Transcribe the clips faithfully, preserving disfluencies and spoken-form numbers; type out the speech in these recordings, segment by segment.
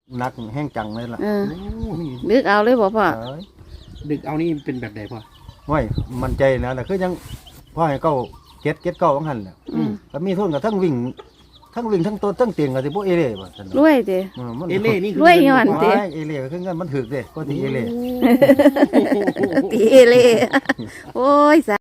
นักแห้งจังเลยล่ะเออโอ้นี่ดึกเอาเลยบ่พ่อเอ้ยดึกเอานี่เป็นแบบไหนพ่อไม่มันใจนะแต่คือยังพ่อให้เก้าเก็ดเก็ดเก้าของหันน่ะอืมก็มีทุนกับทั้งวิ่งทั้งวิ่งทั้งต้นทั้งเตียงกับสิพวกเอเล่บ่ซั่นรวยเด้เออมันเอเล่นี่คือรวยย้อนโอ้ยเอเล่ก็คือเงินมันถึกเด้ก็สิเอเล่ตีเอเล่โอ้ยสา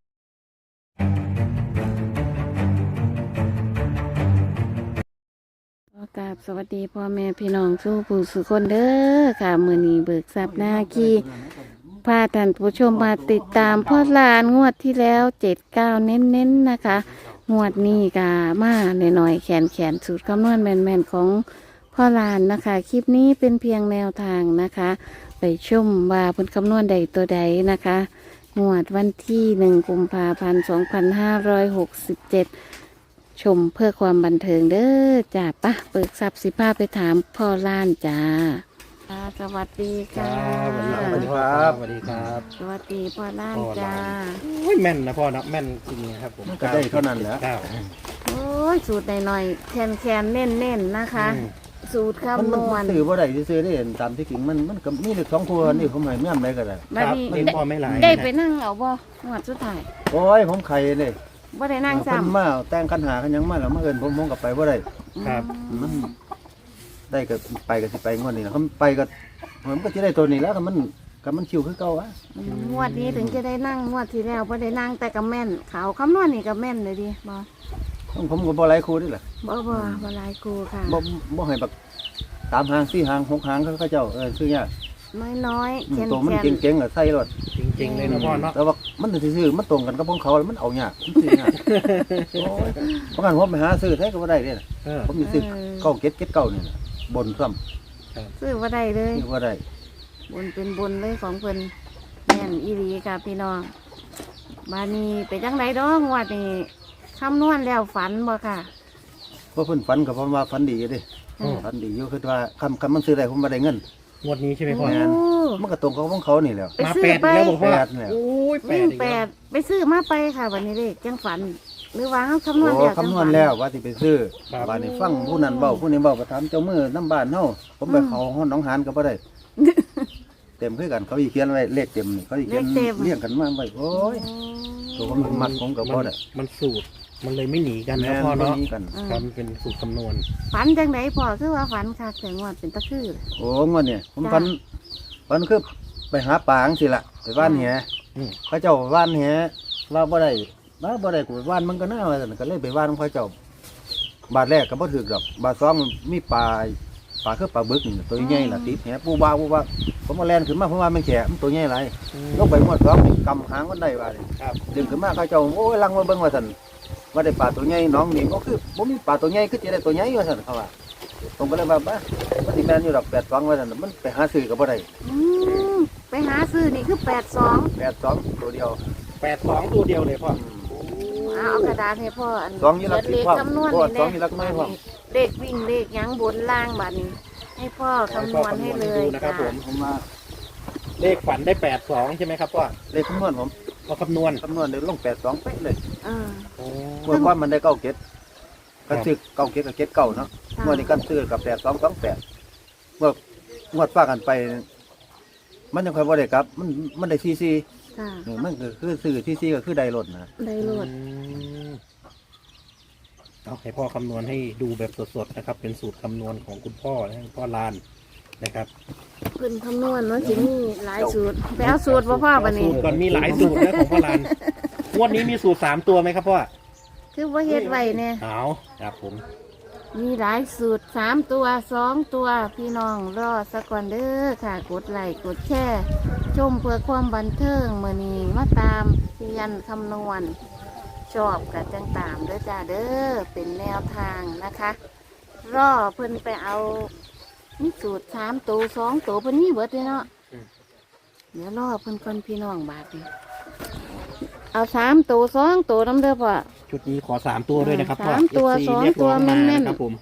ขอกราบสวัสดีพ่อแม่พี่น้องสู้ผู้สุคนเด้อค่ะมื้อนี้เบิกทรัพย์หน้าขี้พาท่านผู้ชมมาติดตามพ่อลานงวดที่แล้วเจ็ดเก้าเน้นๆนะคะ งวดนี้กามาหน่อยๆแขนแขนสูตรคำนวณแม่นๆของพ่อลานนะคะ คลิปนี้เป็นเพียงแนวทางนะคะ ไปชมว่าเพิ่นคำนวณใดตัวใดนะคะ งวดวันที่หนึ่งกุมภาพันธ์สองพันห้าร้อยหกสิบเจ็ดชมเพื่อความบันเทิงเด้อจ้าปะเปิดทรัพย์สิพาไปถามพ่อล้านจ้าค่ะสวัสดีคค่ะรับสวัสดีครับสวัสดีครับสวัสดีพ่อล้านจ้าโอ้ยแม่นนะพ่อนะแม่นจริงนะครับผมมันก็ได้เท่านั้นแหละเก้าโอ้ยสูตรหน่อยๆแคนแคนๆเน้นๆนนะคะอืมสูตรมันคำนมันวณซื้อบ่ได้ซื่อๆได้ตามที่จริงมันมันก็มีเลขสองตัวนี่ผมให้แม่นได้ก็ได้บัดครับนี้เล่นพ่อไม่หลายได้นะไปนั่งเอาบ่งวดสุดท้ายโอ้ยผมไข่เลยบ่ได้นั่งเพิ่นซ้ำมาแต่งคันหาคันหยังมาแล้วมาเอิ้นผมผมก็ไปบ่ได้ครับมันได้ก็ไปก็สิไปงวดนี้นะเขาไปก็มันก็สิได้ตัวนี้แล้วก็มันก็มันคิวคือเก่าอะอืมงวดนี้ถึงจะได้นั่งงวดที่แล้วบ่ได้นั่งแต่ก็แม่นเขาคำนวณนี่ก็แม่นเลยดิบ่ผมผมก็บ่หลายคู่นี่แหละบ่บ่บ่หลายกูค่ะบ่บ่ให้แบบสามหางสี่หางหกหางเขาเขาเจ้าเออซื้อยากน้อยๆอืมแคนตัวมันแคนเก่งๆอ่ะใส่รถจริงๆเลยนะพ่อเนาะแต่ว่ามันซื่อๆมันตรงกันกับของเขาแล้วมันเอายากมันซื้อยากโอ้ยเพราะงั้นผมไปหาซื้อแท้ก็บ่ได้เด้นะเออผมมีซื้อเก้าเก็ดเก็ดเก้านี่น่ะบนซ้ำซื้อบ่ได้เลยซื้อบ่ได้บนเป็นบนเลยของเพิ่นแม่นอีหลีค่ะพี่น้องบานี้ไปจังไดดอกงวดนี้คำนวณแล้วฝันบ่ค่ะเพราะเพิ่นฝันก็ผมว่าฝันดีอยู่เด้อืมฝันดีอยู่คือว่าคำคำมันซื้อได้ผมบ่ได้เงินงวดนี้ใช่ไหมพ่อแม่นโอ้มันก็ตรงกับของเขานี่แหล้วไปมาซื้อแปดอีกแล้วบอกพ่อแปดเนี่ยโอ้ยแปวิ่ดงอีกแปแล้วดไปซื้อมาไปค่ะวันนี้เด็กจังฝัน หรือว่าเขาคำนวณโอ้แล้วจังคำนวฝัณนแล้วว่าสิไปซื้อครับว่านี่ฟังผู้นั้นเว้าผู้นี้เว้าก็ถามเจ้ามือน้ำบ้านเฮาผมไปอืมเขาห้องหนองหานก็บ่ได้ เต็มคือกันเขาอีเขียนไว้เลขเต็มนี่เขาอีเขียนเลขเต็มเรียงกันมาไว้โอ้ยตัวผมเป็นมัดผมกับพ่อได้มันสูตรมันเลยไม่หนีกันแม่นะนพ่อบ่เนาะมีกันอืมครับมันเป็นสูตรคำนวณฝันจังไดพอคือว่าฝันค่ะแต่งวดเป็นตะคือโอ้งวดเนี่ยผมจ้ะฝันฝันคือไปหาปลาจังสิล่ะไปว่านแหอืมเขาเจ้าว่านแหว่าบ่ได้ว่าบ่ได้กูว่านมันก็น่าว่าซั่นก็เลยไปว่านของเขาเจ้า บาทแรกก็บ่ถูกดอก บาทสองมีปลาปลาคือปลาบึกนี่ตัวใหญ่ล่ะติดแหปูบาปูบาผมมาแล่นขึ้นมาเพราะว่ามันแฉะมันตัวใหญ่หลายลงไปหมดสองนี่กำหางมันได้ว่าดิครับดึงขึ้นมาเขาเจ้าโอ้ยลังมาเบิ่งว่าซั่นว่าได้ปลาตัวใหญ่น้องนี่ก็คือบ่มีปลาตัวใหญ่คือสิได้ตัวใหญ่ว่าซั่นเขาว่าผมก็เลยว่าบ้ามันสิแม่นอยู่ดอกแปดสองว่าซั่นมันไปหาซื้อก็บ่ได้อืมไปหาซื้อนี่คือแปดสองแปดสองตัวเดียวแปดสองตัวเดียวเลยพ่อเอากระดาษให้พ่ออันสองยี่ลักเขียนเลขสิบพ่อคำนวณพ่อนี่สองยี่ลักไม่พ่อเด็กวิ่งเลขหยังบนล่างบัดนี้ ให้พ่อคำนวณให้เลยดูนะครับผมผมว่าเลขฝันได้แปดสองใช่ไหมครับพ่อเลขคำนวณผมเราคำนวณคำนวณได้ลงแปดสองเป๊ะเลยเออโอ้เมื่อก่อนมันได้เก้าเก็ดกันซื้อเก้าเก็ดกับเก็ดเก้าเนาะค่ะเมื่อนี้กันซื้อกับแปดสองสองแปดเมื่องวดฟ้ากันไป มันยังค่อยบ่ได้กลับ มันมันได้ซีซีค่ะนี่มันก็คือซื้อซีซีก็คือได้รถนะได้โหลดอืมเอาให้พ่อคำนวณให้ดูแบบสดๆนะครับ เป็นสูตรคำนวณของคุณพ่อนะคุณพ่อลานนะครับเพิ่นคำนวณเนาะสิมีหลายสูตรไปเอาสูตรบ่พ่อบัดนี้สูตรก่อนมีหลายสูตรนะของพ่อลานงวดนี้มีสูตรสามตัวไหมครับพ่อคือว่าเฮ็ดไว้เนี่ยเอาครับผมมีหลายสูตรสามตัวสองตัวพี่น้องรอสักก่อนเด้อค่ะ กดไลค์กดแชร์ชมเพื่อความบันเทิงมื้อนี้มาตามเรียนคำนวณ ชอบกับจังตามเด้อจ้าเด้อเป็นแนวทางนะคะ รอเพิ่นไปเอานี่สูตรสามตัวสองตัวเพิ่นนี่เบิดเลยเนาะเดี๋ยวรอเพิ่นก่อนพี่น้องบาดนี้เอาสามตัวสองตัวน้ำเด้อพ่อชุดนี้ขอสามตัวด้วยนะครับพ่อสามตัวเอฟซีสองเรียกร้องตัวมาแม่นๆนะครับผม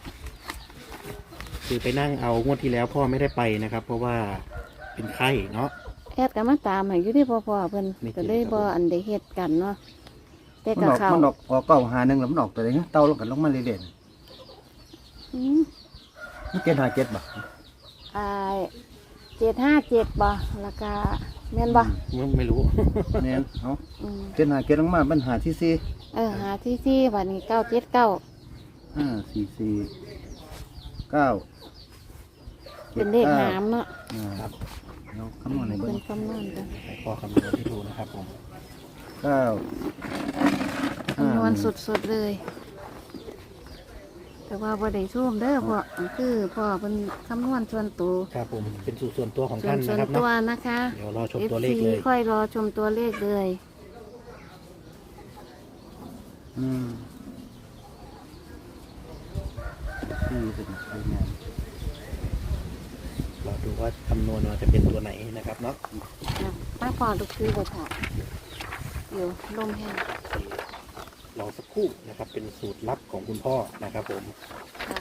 คือไปนั่งเอางวดที่แล้วพ่อไม่ได้ไปนะครับ เพราะว่าเป็นไข้เนาะแอดกันมาตามให้อยู่ที่พ่อพ่อเพิ่นไม่เกี่ยวก็เลยบ่อันได้เฮ็ดกันเนาะแต่มันกับออกเขามันออกออกเก้าหาหนึ่งแล้วมันออกตัวไหนเต่าลงกันลงมาเรื่อยอืมๆมันเก็ดหาเก็ดบ่อ่าเจ็ดห้าเจ็ดบ่แล้วก็แม่นบ่ไม่ไม่รู้แม่นเอาอืมเจ็ดหาเจ็ดลงมาปัญหาที่สี่เออหาที่ที่วันนี้เก้าเจ็ดเก้าห้าสี่สี่เก้าเป็นเลขหามเนาะอ่าครับเราคำนวณในเบิ้เป็งนคำนวณกันให้พ่อคำนวณให้ดูนะครับผมเก้าคำนวณสุดๆเลย แต่ว่าบ่ได้ช่วมเด้อพ่อคือพ่อเป็นคำนวณส่วนตัวครับผมเป็นสูตรส่วนตัวของส่วท่าน นส่นะวนครับตัเนาะวนะคะเดี๋ยวรอชมเอฟตัวเลขซีเลยค่อยรอชมตัวเลขเลยอืมสี่เป็นไปงานรอดูว่าคำนวณมาจะเป็นตัวไหนนะครับเนาะนะป้าพอลูกซื้อไปถอดเดี๋ยวลมแห้งรอสักครู่นะครับ เป็นสูตรลับของคุณพ่อนะครับผมค่ะ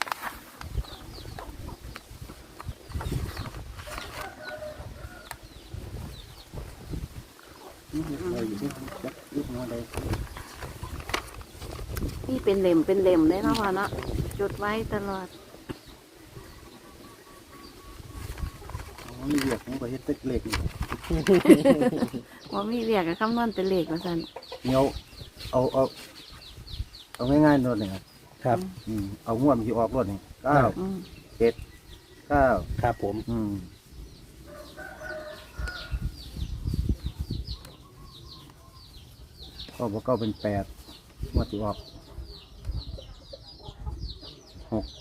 เราอยู่ที่ยักษ์ยุคน้อยใดนี่เป็นเหล่มเป็นเหล่มได้เนาะพ่อเนาะจดไว้ตลอดอ๋อมีเรียกของประเทศเต็กเล็กนี่ว่ามีเรียกกับคำนวณเป็นเลขว่าซั่นเหนียวเอาเอาเอาง่ายๆโน่นนี่ครับครับอืมเอางวดมันจะออกรถนี่เก้าอืมเจ็ดเก้าครับผมอืมก็บอกเก้าเป็นแปดงวดที่ออกหก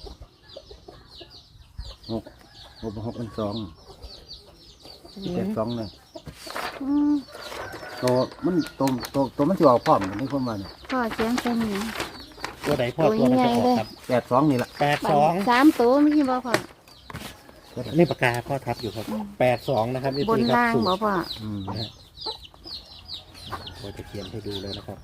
หกหกเป็นหกเป็นสองเจ็ดสองเลยอืมตัวมันตัวตัวตัวมันจะออกพร้อมกันนี่คนมาเนี่ยพ่อเขียนเป็นหยังตัวไหนพ่อตัวตัวมันจะอใหญ่อกเลยครับแปดสองนี่แหละแปดสองสามตัวไม่ใช่บ่พ่อนี่ปากกาพ่อทับอยู่ครับแปดสองนะครับบนครัล่างสูตบ่รพ่ออืมนะฮะเราจะเขียนให้ดูเลยนะครับ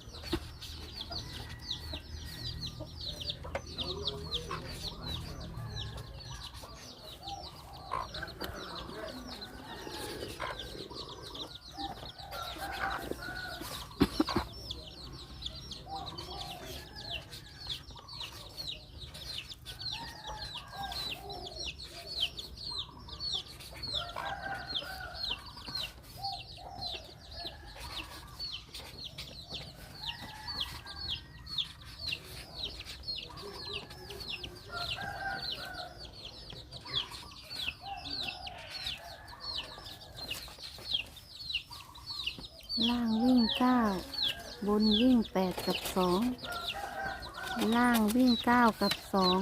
ล่างวิ่งเก้าบนวิ่งแปดกับสองล่างวิ่งเก้ากับสอง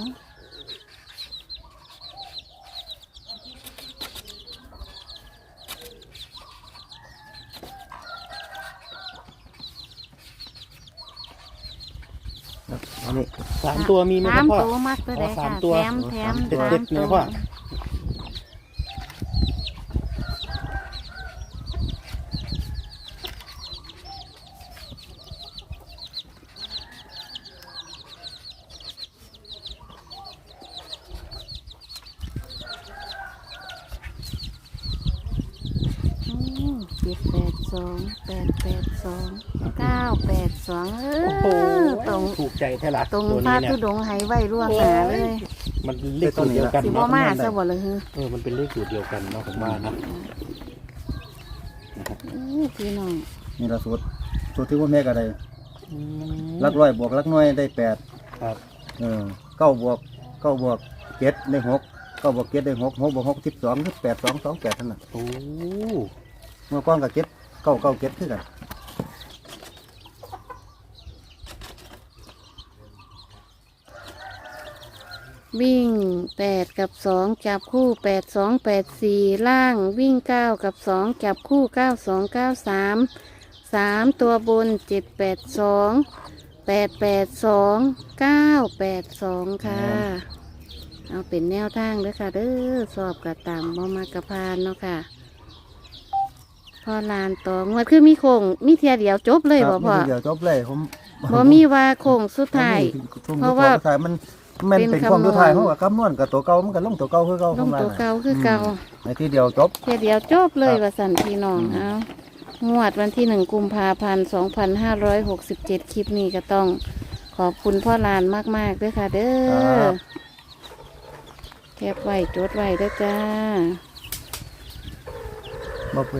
อันนี้สามตัวมีไหมคสารับมพ่อตัวมักตัวใดอ๋อสาค่ะมตัวแถมแถมเด็ดสาเด็มดๆตันะวพ่ออืมเจ็ดแปดสองแปดแปดสองเก้าแปดสองเอโอ้โหอตรงถูกใจแท้ละตรงตัวพระนี้เนี่ยธุดงค์ให้ไว้ร่วงหนาเลยมันเลขสูตรเดียวกันสิบ่เนาะมาซะบ่เลยฮือเออมันเป็นเลขสูตรเดียวกันเนาะผมว่านะนะครับอื้อพี่น้องนี่เราสูตรสูตรที่ว่าแม่ก็ได้อืมลักร้อยบวกลักน้อยได้แปดครับเออเก้าบวกเก้าบวกเจ็ดได้หกเก้าบวกเจ็ดได้หกหกบวกหกสิบสองคือแปดสองสองแปดเท่านั้นโอ้เมื่อก้อนกับเจ็ดเก้าเก้าเจ็ดคือกันวิ่งแปดกับสองจับคู่แปดสองแปดสี่ล่างวิ่งเก้ากับสองจับคู่เก้าสองเก้าสามสามตัวบนเจ็ดแปดสองแปดแปดสองเก้าแปดสองค่ะ เอาเป็นแนวทางเด้อค่ะเด้อสอบกระตามบ่มากระพานเนาะค่ะพอลานต่องวดคือมีโคงมีเทียเดียวจบเลยคบ่รับพ่อเดี๋ยวจบเลยผมบ่มีว่าโคงสุดท้ายช่วงเพราะว่าสุดท้ายมันแมันเป็เป็นนความคำนวณสุดท้ายเขากับคำนวณกับตัวเก่ามันก็ลงตัวเก่าคือเก่าลงตัวเก่าคือเก่าในที่เดียวจบเทียเดียวจบเลยครับว่าสันพี่น้องอืมเอางวดวันที่หนึ่งกุมภาพันธ์สองพันห้าร้อยหกสิบเจ็ดคลิปนี้ก็ต้องขอบคุณพ่อลานมากๆด้วยค่ะ เด้คอรับแคบไว้จดไว้เด้อจ้าบ่ไป